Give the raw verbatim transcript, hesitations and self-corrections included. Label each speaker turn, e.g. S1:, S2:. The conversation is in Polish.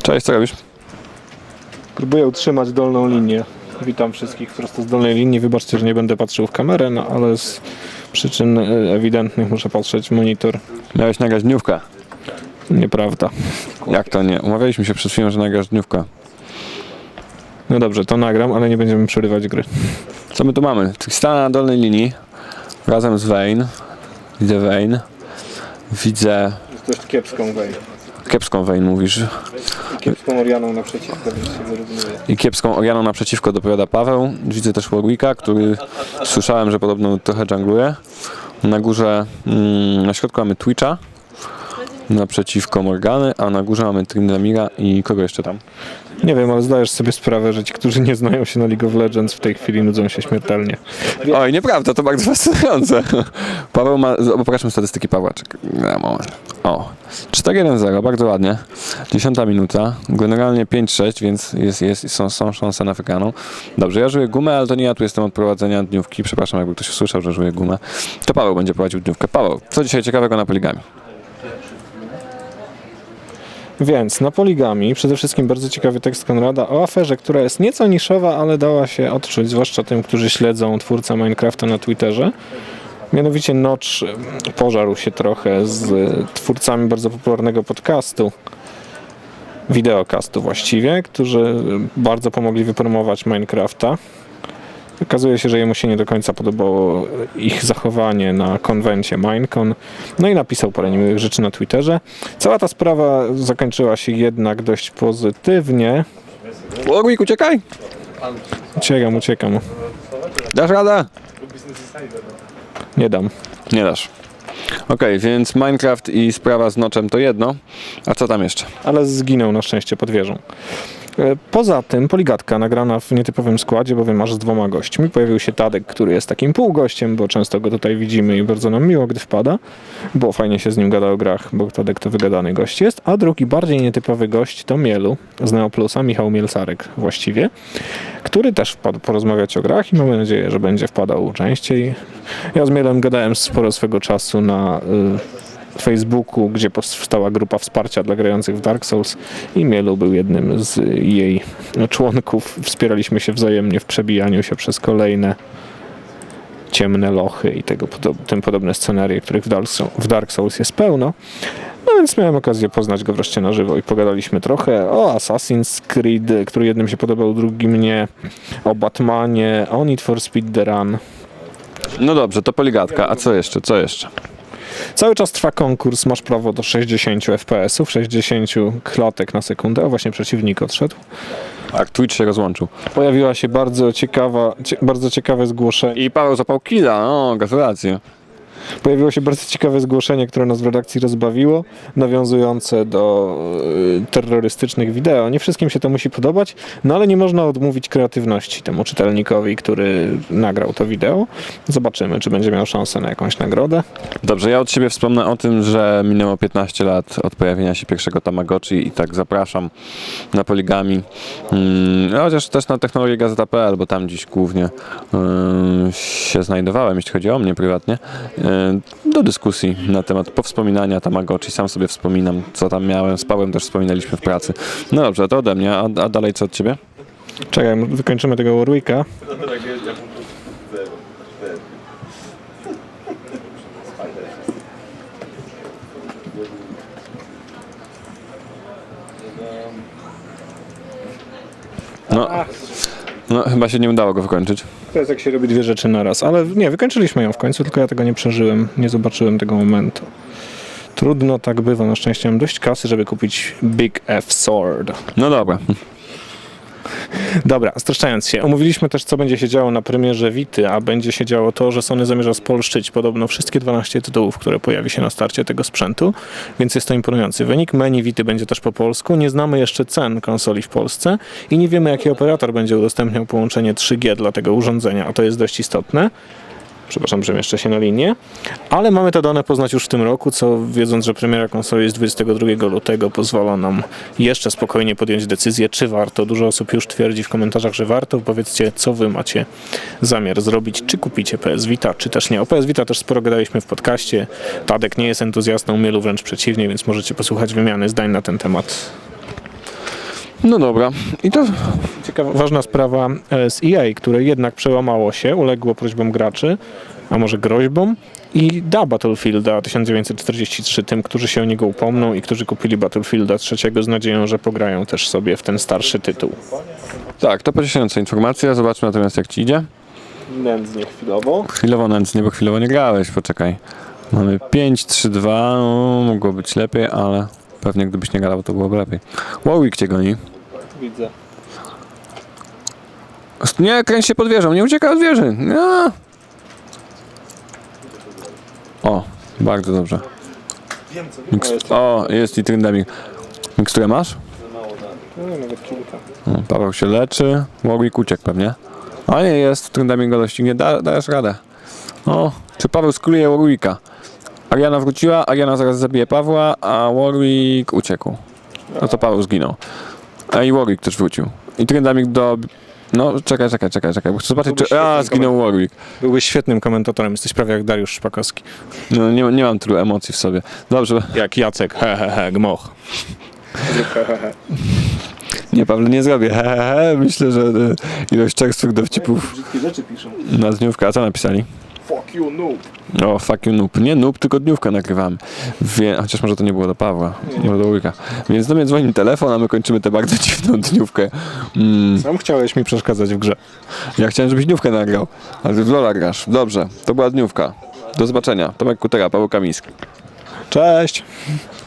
S1: Cześć, co robisz?
S2: Próbuję utrzymać dolną linię. Witam wszystkich prosto z dolnej linii. Wybaczcie, że nie będę patrzył w kamerę, no ale z przyczyn ewidentnych muszę patrzeć w monitor.
S1: Miałeś nagrać dniówkę.
S2: Nieprawda.
S1: Jak to nie? Umawialiśmy się przed chwilą, że nagrasz dniówkę.
S2: No dobrze, to nagram, ale nie będziemy przerywać gry.
S1: Co my tu mamy? Tristana na dolnej linii razem z Vayne. Widzę Vayne. Widzę
S2: Jest dość kiepską Vayne.
S1: kiepską Vayne, mówisz.
S2: I kiepską Orianą naprzeciwko, więc się wyrównuje.
S1: I kiepską Orianą naprzeciwko dopowiada Paweł. Widzę też Warwicka, który słyszałem, że podobno trochę jungluje. Na górze, mm, na środku mamy Twitcha. Naprzeciwko Morgany, a na górze mamy Tryndamira i kogo jeszcze tam?
S2: Nie wiem, ale zdajesz sobie sprawę, że ci, którzy nie znają się na League of Legends, w tej chwili nudzą się śmiertelnie.
S1: Oj, nieprawda, to bardzo fascynujące. Paweł ma, popatrzmy statystyki Pawła. Czekaj, na moment. O, cztery jeden zero, bardzo ładnie. Dziesiąta minuta, generalnie pięć sześć, więc jest, jest, są, są szanse na wygraną. Dobrze, ja żyję gumę, ale to nie ja tu jestem od prowadzenia dniówki. Przepraszam, jakby ktoś usłyszał, że żyję gumę. To Paweł będzie prowadził dniówkę. Paweł, co dzisiaj ciekawego na Poligami?
S2: Więc na Poligami przede wszystkim bardzo ciekawy tekst Konrada o aferze, która jest nieco niszowa, ale dała się odczuć, zwłaszcza tym, którzy śledzą twórcę Minecrafta na Twitterze. Mianowicie Notch pożarł się trochę z twórcami bardzo popularnego podcastu, wideocastu właściwie, którzy bardzo pomogli wypromować Minecrafta. Okazuje się, że jemu się nie do końca podobało ich zachowanie na konwencie Minecon. No i napisał parę niemiłych rzeczy na Twitterze. Cała ta sprawa zakończyła się jednak dość pozytywnie.
S1: Warwick, uciekaj!
S2: Uciekam, uciekam.
S1: Dasz radę?
S2: Nie dam.
S1: Nie dasz. Okej, okay, więc Minecraft i sprawa z Notchem to jedno. A co tam jeszcze?
S2: Ale zginął na szczęście pod wieżą. Poza tym Poligatka nagrana w nietypowym składzie, bowiem aż z dwoma gośćmi. Pojawił się Tadek, który jest takim półgościem, bo często go tutaj widzimy i bardzo nam miło, gdy wpada. Było fajnie się z nim gada o grach, bo Tadek to wygadany gość jest. A drugi, bardziej nietypowy gość to Mielu z Neoplusa, Michał Mielsarek właściwie, który też wpadł porozmawiać o grach i mamy nadzieję, że będzie wpadał częściej. Ja z Mielem gadałem sporo swego czasu na y, Facebooku, gdzie powstała grupa wsparcia dla grających w Dark Souls i Mielu był jednym z jej członków. Wspieraliśmy się wzajemnie w przebijaniu się przez kolejne ciemne lochy i tego, tym podobne scenarie, których w Dark, w Dark Souls jest pełno. No więc miałem okazję poznać go wreszcie na żywo i pogadaliśmy trochę o Assassin's Creed, który jednym się podobał, drugim nie, o Batmanie, o Need for Speed The Run.
S1: No dobrze, to Poligatka. A co jeszcze? Co jeszcze?
S2: Cały czas trwa konkurs, masz prawo do sześćdziesięciu F P S ów, sześćdziesięciu klatek na sekundę, o właśnie przeciwnik odszedł.
S1: Tak, Twitch się rozłączył.
S2: Pojawiła się bardzo ciekawa, cie, bardzo ciekawe zgłoszenie.
S1: I Paweł zapał killa, no gratulacje.
S2: Pojawiło się bardzo ciekawe zgłoszenie, które nas w redakcji rozbawiło, nawiązujące do y, terrorystycznych wideo. Nie wszystkim się to musi podobać, no ale nie można odmówić kreatywności temu czytelnikowi, który nagrał to wideo. Zobaczymy, czy będzie miał szansę na jakąś nagrodę.
S1: Dobrze, ja od siebie wspomnę o tym, że minęło piętnaście lat od pojawienia się pierwszego Tamagotchi i tak zapraszam na Poligami. Hmm, chociaż też na technologię gazeta kropka pe el, bo tam dziś głównie yy, się znajdowałem, jeśli chodzi o mnie prywatnie. Yy, do dyskusji na temat powspominania Tamagotchi. Sam sobie wspominam, co tam miałem. Z Pawłem też wspominaliśmy w pracy. No dobrze, to ode mnie. A, a dalej co od ciebie?
S2: Czekaj, wykończymy tego Warwicka.
S1: No, no chyba się nie udało go wykończyć.
S2: To jest jak się robi dwie rzeczy na raz, ale nie, wykończyliśmy ją w końcu, tylko ja tego nie przeżyłem, nie zobaczyłem tego momentu. Trudno tak bywa, na szczęście mam dość kasy, żeby kupić Big F Sword.
S1: No dobra.
S2: Dobra, streszczając się, omówiliśmy też, co będzie się działo na premierze Vity, a będzie się działo to, że Sony zamierza spolszczyć podobno wszystkie dwanaście tytułów, które pojawi się na starcie tego sprzętu, więc jest to imponujący wynik. Menu Vity będzie też po polsku, nie znamy jeszcze cen konsoli w Polsce i nie wiemy, jaki operator będzie udostępniał połączenie trzy G dla tego urządzenia, a to jest dość istotne. Przepraszam, że mieszczę się na linię. Ale mamy te dane poznać już w tym roku, co wiedząc, że premiera konsoli jest dwudziestego drugiego lutego, pozwala nam jeszcze spokojnie podjąć decyzję, czy warto. Dużo osób już twierdzi w komentarzach, że warto. Powiedzcie, co wy macie zamiar zrobić, czy kupicie P S Vita, czy też nie. O P S Vita też sporo gadaliśmy w podcaście. Tadek nie jest entuzjastą, Mielu wręcz przeciwnie, więc możecie posłuchać wymiany zdań na ten temat.
S1: No dobra. I to...
S2: Ciekawa, ważna sprawa e, z E A, które jednak przełamało się, uległo prośbom graczy, a może groźbom i da Battlefielda tysiąc dziewięćset czterdzieści trzy tym, którzy się o niego upomną i którzy kupili Battlefielda trzeciego z nadzieją, że pograją też sobie w ten starszy tytuł.
S1: Tak, to pocieszająca informacja. Zobaczmy natomiast, jak ci idzie.
S2: Nędznie chwilowo.
S1: Chwilowo nędznie, bo chwilowo nie grałeś, poczekaj. Mamy pięć trzy dwa, no, mogło być lepiej, ale pewnie gdybyś nie grał, to byłoby lepiej. Warwick cię goni.
S2: Widzę.
S1: Nie, kręć się pod wieżą, nie uciekaj od wieży. Nie. O, bardzo dobrze. Miks- o, jest i Tryndamik. Miksturę masz?
S2: No, nawet kilka.
S1: O, Paweł się leczy, Warwick uciekł pewnie. A nie, jest, Tryndamik go doścignie, da, dajesz radę. O, czy Paweł skuluje Warwicka? Ariana wróciła, Ariana zaraz zabije Pawła, a Warwick uciekł. No to Paweł zginął. A i Warwick też wrócił. I Tryndamik do... No, czekaj, czekaj, czekaj, czekaj, bo chcę zobaczyć, czy... A, zginął Warwick.
S2: Byłbyś świetnym komentatorem, jesteś prawie jak Dariusz Szpakowski.
S1: No, nie, nie mam tylu emocji w sobie. Dobrze.
S2: Jak Jacek, he he he, gmoch.
S1: Nie, Paweł, nie zrobię. He, he, he. Myślę, że e, ilość czerstwych dowcipów
S2: Brzydkie rzeczy piszą.
S1: na dniówkę. A co napisali?
S2: Fuck you, noob.
S1: O, fuck you noob. Nie noob, tylko dniówkę nagrywamy. Wie, chociaż może to nie było do Pawła, może do Łyka. Więc do mnie dzwoni telefon, a my kończymy tę bardzo dziwną dniówkę. Mm,
S2: Sam chciałeś mi przeszkadzać w grze.
S1: ja chciałem, żebyś dniówkę nagrał, ale ty w Lola grasz. Dobrze, to była dniówka. Do zobaczenia. Tomek Kutera, Paweł Kamiński.
S2: Cześć!